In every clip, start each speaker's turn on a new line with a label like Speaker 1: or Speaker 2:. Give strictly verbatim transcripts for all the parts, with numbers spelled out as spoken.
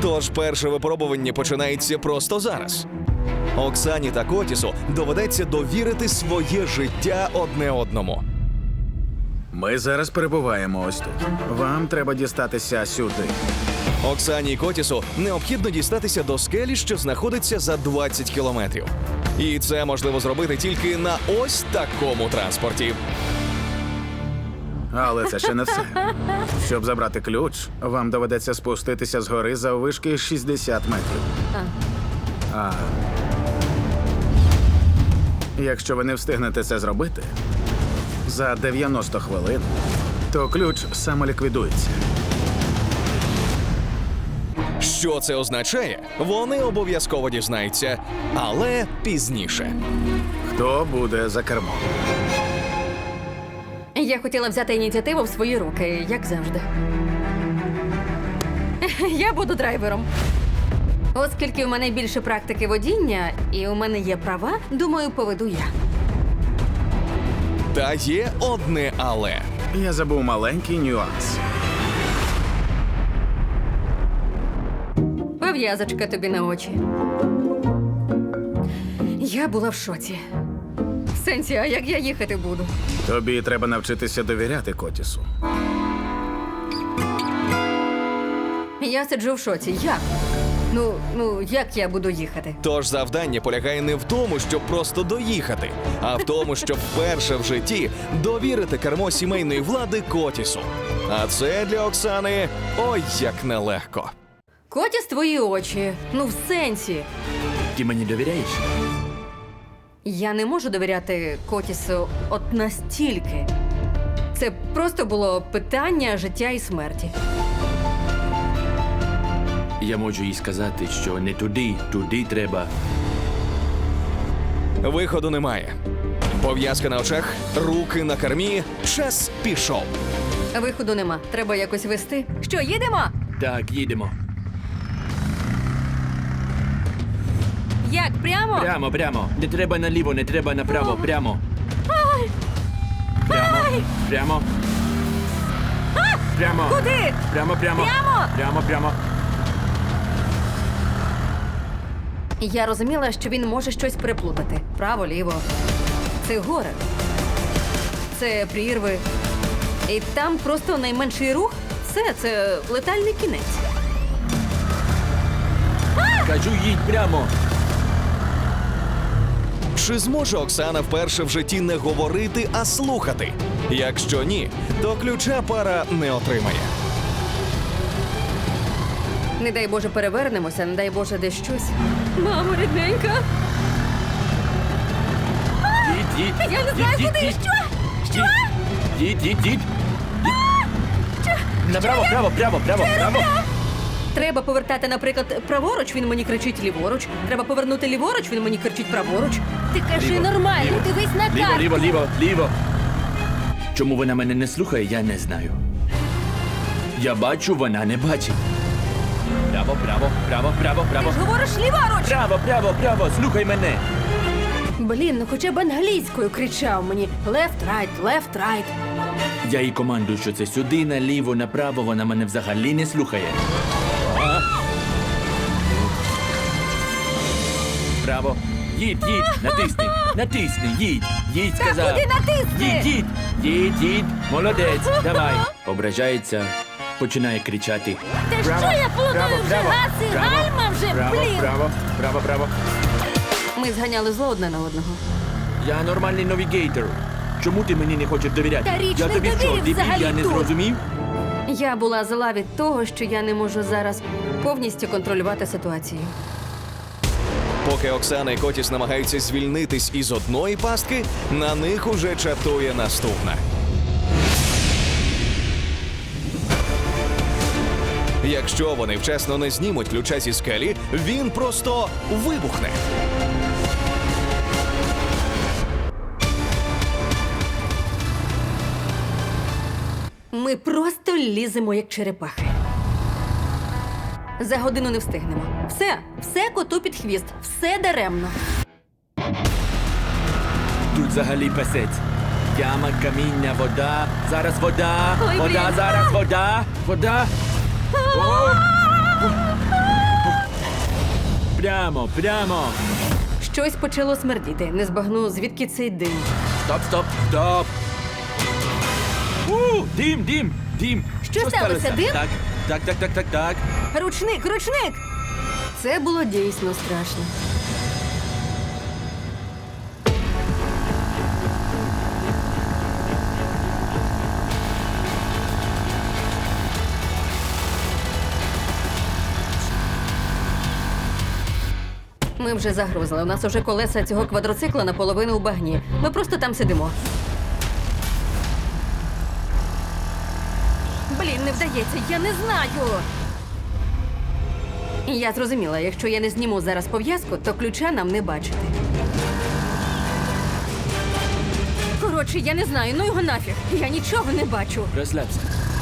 Speaker 1: Тож перше випробування починається просто зараз. Оксані та Котісу доведеться довірити своє життя одне одному.
Speaker 2: Ми зараз перебуваємо ось тут. Вам треба дістатися сюди.
Speaker 1: Оксані і Котісу необхідно дістатися до скелі, що знаходиться за двадцять кілометрів. І це можливо зробити тільки на ось такому транспорті.
Speaker 2: Але це ще не все. Щоб забрати ключ, вам доведеться спуститися з гори заввишки шістдесят метрів. А якщо ви не встигнете це зробити за дев'яносто хвилин, то ключ самоліквідується.
Speaker 1: Що це означає, вони обов'язково дізнаються, але пізніше.
Speaker 2: Хто буде за кермом?
Speaker 3: Я хотіла взяти ініціативу в свої руки, як завжди. Я буду драйвером. Оскільки у мене більше практики водіння і у мене є права, думаю, поведу я.
Speaker 1: Та є одне але.
Speaker 2: Я забув маленький нюанс.
Speaker 3: Пов'язочка тобі на очі. Я була в шоці. В сенсі, а як я їхати буду?
Speaker 2: Тобі треба навчитися довіряти Котісу.
Speaker 3: Я сиджу в шоці. Як? Ну, ну, як я буду їхати?
Speaker 1: Тож завдання полягає не в тому, щоб просто доїхати, а в тому, щоб вперше в житті довірити кермо сімейної влади Котісу. А це для Оксани ой як нелегко.
Speaker 3: Котіс твої очі. Ну, в сенсі.
Speaker 4: Ти мені довіряєш?
Speaker 3: Я не можу довіряти Котісу от настільки. Це просто було питання життя і смерті.
Speaker 4: Я можу їй сказати, що не туди, туди треба.
Speaker 1: Виходу немає. Пов'язка на очах, руки на кермі, час пішов.
Speaker 3: Виходу нема. Треба якось вести. Що, їдемо?
Speaker 4: Так, їдемо.
Speaker 3: Як, прямо?
Speaker 4: Прямо, прямо. Не треба наліво, не треба направо, прямо. Прямо, прямо. Прямо.
Speaker 3: Куди?
Speaker 4: Прямо, прямо.
Speaker 3: Прямо?
Speaker 4: Прямо, прямо.
Speaker 3: Я розуміла, що він може щось переплутати. Право, ліво. Це гори. Це прірви. І там просто найменший рух – все, це летальний кінець.
Speaker 4: Кажу, їдь прямо.
Speaker 1: Чи зможе Оксана вперше в житті не говорити, а слухати? Якщо ні, то ключа пара не отримає.
Speaker 3: Не дай Боже перевернемося, не дай Боже десь щось. Мамо, рідненька!
Speaker 4: Їдь, їдь.
Speaker 3: Я не знаю,
Speaker 4: Їдь,
Speaker 3: куди!
Speaker 4: їдь,
Speaker 3: Що? Що?
Speaker 4: Їдь, їдь, їдь. Направо, право, право, право, право.
Speaker 3: Треба повертати, наприклад, праворуч, він мені кричить ліворуч. Треба повернути ліворуч, він мені кричить праворуч. Ти кажи
Speaker 4: Ліво,
Speaker 3: нормально,
Speaker 4: ліво.
Speaker 3: дивись на
Speaker 4: Ліво,
Speaker 3: карту.
Speaker 4: ліво, ліво, ліво. Чому вона мене не слухає, я не знаю. Я бачу, вона не бачить. Право, право, право, право,
Speaker 3: Ти
Speaker 4: право.
Speaker 3: ж говориш ліворуч!
Speaker 4: Право, право, право, слухай мене.
Speaker 3: Блін, ну хоча б англійською кричав мені. Left, right, left, right.
Speaker 4: Я їй командую, що це сюди, наліво, направо, вона мене взагалі не слухає. А? Право. Їдь, їдь, натисни, натисни, їдь, їдь,
Speaker 3: Та
Speaker 4: сказав.
Speaker 3: куди натисни?
Speaker 4: Їдь, їдь, їдь, їдь, молодець, давай. Ображається, починає кричати.
Speaker 3: Та
Speaker 4: Право,
Speaker 3: що я плутаю
Speaker 4: право,
Speaker 3: вже?
Speaker 4: право,
Speaker 3: Гаси,
Speaker 4: право,
Speaker 3: гальма вже,
Speaker 4: право,
Speaker 3: блін!
Speaker 4: Право, право, право.
Speaker 3: Ми зганяли зло одне на одного.
Speaker 4: Я нормальний навігейтор. Чому ти мені не хочеш довіряти?
Speaker 3: Та річ
Speaker 4: я
Speaker 3: не
Speaker 4: тобі
Speaker 3: в
Speaker 4: що,
Speaker 3: довірі
Speaker 4: дебіль,
Speaker 3: взагалі
Speaker 4: я не
Speaker 3: тут.
Speaker 4: зрозумів?
Speaker 3: Я була зла від того, що я не можу зараз повністю контролювати ситуацію.
Speaker 1: Поки Оксана і Котіс намагаються звільнитись із одної пастки, на них уже чатує наступна. Якщо вони вчасно не знімуть ключа зі скелі, він просто вибухне.
Speaker 3: Ми просто ліземо, як черепахи. За годину не встигнемо. Все, все коту під хвіст, все даремно.
Speaker 4: Тут взагалі песець. Яма, каміння, вода. Зараз вода.
Speaker 3: Ой,
Speaker 4: вода,
Speaker 3: блін.
Speaker 4: зараз вода. Вода. О! прямо, прямо.
Speaker 3: Щось почало смердіти. Не збагну, звідки цей дим.
Speaker 4: Стоп, стоп, стоп. У, дим, дим, дим.
Speaker 3: Що сталося, дим?
Speaker 4: Так, так, так, так, так, так.
Speaker 3: Ручник, ручник! Це було дійсно страшно. Ми вже загрузили. У нас уже колеса цього квадроцикла наполовину у багні. Ми просто там сидимо. Блін, не вдається, я не знаю. Я зрозуміла, якщо я не зніму зараз пов'язку, то ключа нам не бачити. Коротше, я не знаю, ну його нафіг. Я нічого не бачу.
Speaker 4: Розслабся.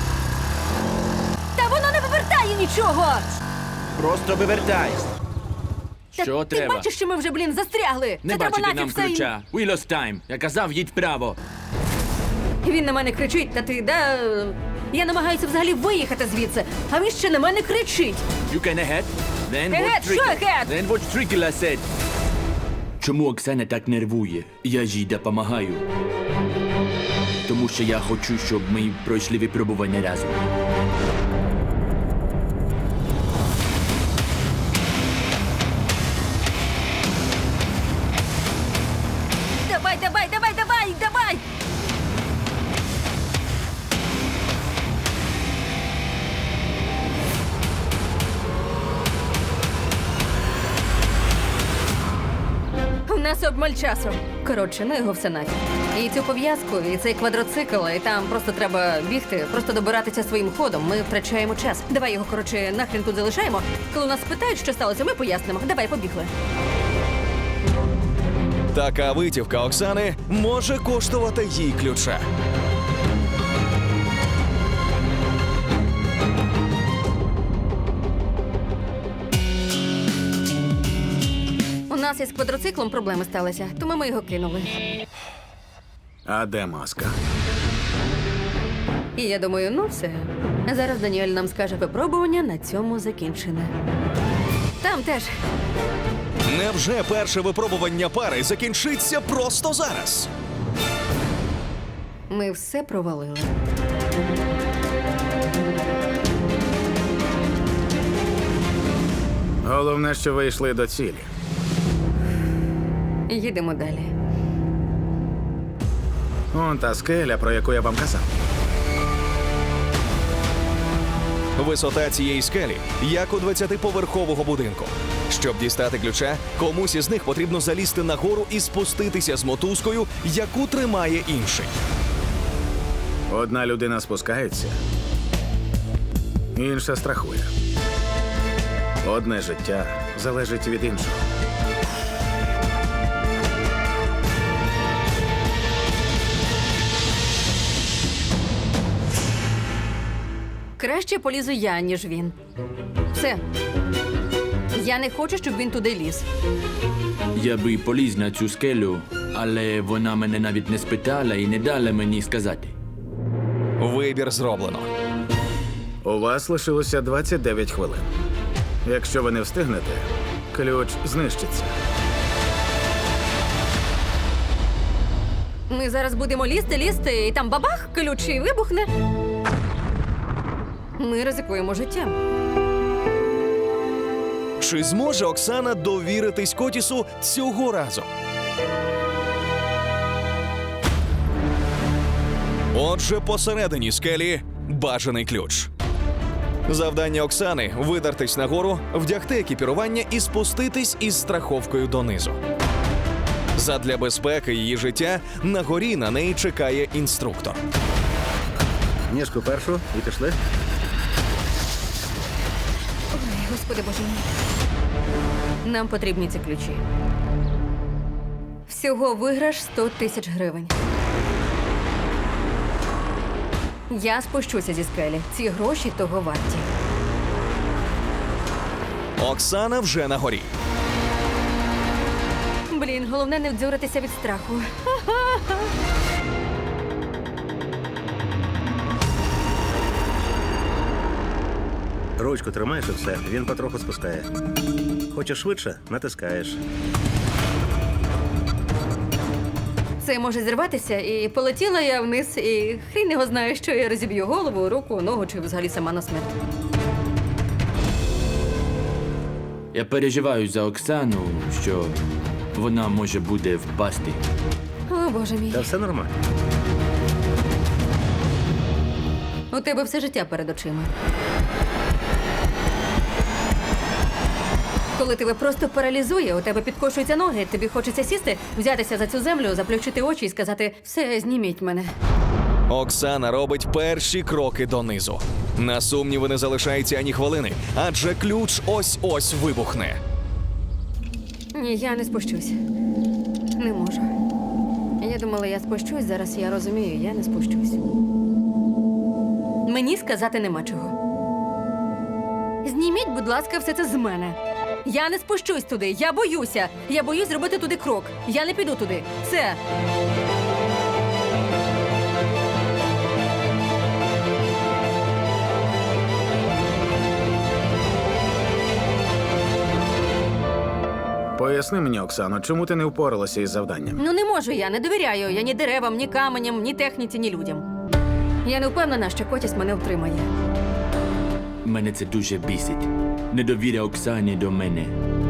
Speaker 3: Та воно не вивертає нічого!
Speaker 4: Просто вивертай.
Speaker 3: Та
Speaker 4: Що
Speaker 3: ти
Speaker 4: треба?
Speaker 3: бачиш, що ми вже, блін, застрягли?
Speaker 4: Не
Speaker 3: Це треба
Speaker 4: бачити
Speaker 3: нафіг
Speaker 4: нам
Speaker 3: все.
Speaker 4: ключа. We lost time. Я казав, їдь вправо.
Speaker 3: Він на мене кричить, та ти, да... Я намагаюся взагалі виїхати звідси, а він ще на мене кричить.
Speaker 4: You can ahead. Then
Speaker 3: Ahead,
Speaker 4: watch
Speaker 3: що
Speaker 4: tricky.
Speaker 3: ahead?
Speaker 4: Then watch tricky, I said. Чому Оксана так нервує? Я ж їй допомагаю. Тому що я хочу, щоб ми пройшли випробування разом.
Speaker 3: Давай, давай, давай, давай, давай! У нас обмаль часу. Коротше, ну його все нафіг. І цю пов'язку, і цей квадроцикл, і там просто треба бігти, просто добиратися своїм ходом. Ми втрачаємо час. Давай його, коротше, нахрен тут залишаємо. Коли нас питають, що сталося, ми пояснимо. Давай, побігли.
Speaker 1: Така витівка Оксани може коштувати їй ключа.
Speaker 3: У нас із квадроциклом проблеми сталися, тому ми його кинули.
Speaker 2: А де маска?
Speaker 3: І я думаю, ну все. Зараз Даніель нам скаже, випробування на цьому закінчене. Там теж.
Speaker 1: Невже перше випробування пари закінчиться просто зараз?
Speaker 3: Ми все провалили.
Speaker 2: Головне, що ви йшли до цілі.
Speaker 3: Їдемо далі.
Speaker 2: Он та скеля, про яку я вам казав.
Speaker 1: Висота цієї скелі, як у двадцятиповерхового будинку. Щоб дістати ключа, комусь із них потрібно залізти нагору і спуститися з мотузкою, яку тримає інший.
Speaker 2: Одна людина спускається, інша страхує. Одне життя залежить від іншого.
Speaker 3: Краще полізу я, ніж він. Все. Я не хочу, щоб він туди ліз.
Speaker 4: Я би поліз на цю скелю, але вона мене навіть не спитала і не дала мені сказати.
Speaker 1: Вибір зроблено.
Speaker 2: У вас лишилося двадцять дев'ять хвилин. Якщо ви не встигнете, ключ знищиться.
Speaker 3: Ми зараз будемо лізти, лізти, і там бабах, ключ і вибухне. Ми ризикуємо життям.
Speaker 1: Чи зможе Оксана довіритись Котісу цього разу? Отже, посередині скелі бажаний ключ. Завдання Оксани – видертись нагору, вдягти екіпірування і спуститись із страховкою донизу. Задля безпеки її життя на горі на неї чекає інструктор.
Speaker 2: Ніжку першу і пішли.
Speaker 3: Ой, Господи Боже мій. Нам потрібні ці ключі. Всього виграш сто тисяч гривень. Я спущуся зі скелі. Ці гроші того варті.
Speaker 1: Оксана вже на горі.
Speaker 3: Блін, головне не вдзюритися від страху.
Speaker 5: Ручку тримаєш і все, він потроху спускає. Хочеш швидше? Натискаєш.
Speaker 3: Це може зірватися, і полетіла я вниз, і хрін його знає, що я розіб'ю голову, руку, ногу чи взагалі сама на смерть.
Speaker 4: Я переживаю за Оксану, що вона може буде впасти.
Speaker 3: О, боже мій.
Speaker 5: Та все нормально.
Speaker 3: У тебе все життя перед очима. Коли тебе просто паралізує, у тебе підкошуються ноги, тобі хочеться сісти, взятися за цю землю, заплющити очі і сказати «все, зніміть мене».
Speaker 1: Оксана робить перші кроки донизу. На сумніви не залишається ані хвилини, адже ключ ось-ось вибухне.
Speaker 3: Ні, я не спущусь. Не можу. Я думала, я спущусь, зараз я розумію, я не спущусь. Мені сказати нема чого. Зніміть, будь ласка, все це з мене. Я не спущусь туди, я боюся. Я боюсь зробити туди крок. Я не піду туди. Все.
Speaker 2: Поясни мені, Оксано, чому ти не впоралася із завданням?
Speaker 3: Ну не можу я, не довіряю я ні деревам, ні каменям, ні техніці, ні людям. Я не впевнена, що Котіс мене втримає.
Speaker 4: Мене це дуже бісить. Недовіря Оксані до мене.